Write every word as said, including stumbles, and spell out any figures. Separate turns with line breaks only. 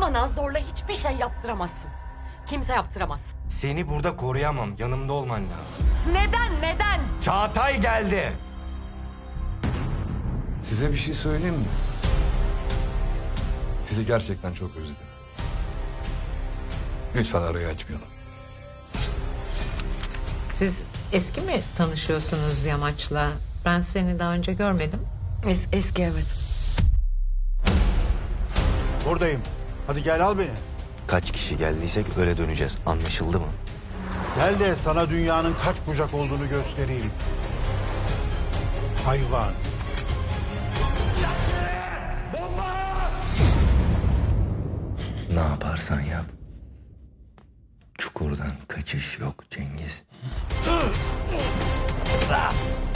Bana zorla hiçbir şey yaptıramazsın. Kimse yaptıramaz.
Seni burada koruyamam. Yanımda olman lazım.
Neden, neden?
Çağatay geldi.
Size bir şey söyleyeyim mi? Sizi gerçekten çok özledim. Lütfen arayı açmayalım.
Siz eski mi tanışıyorsunuz Yamaç'la? Ben seni daha önce görmedim.
Es eski evet.
Buradayım. Hadi gel al beni.
Kaç kişi geldiysek öyle döneceğiz. Anlaşıldı mı?
Gel de sana dünyanın kaç bucak olduğunu göstereyim. Hayvan.
Ne yaparsan yap. Çukurdan kaçış yok Cengiz.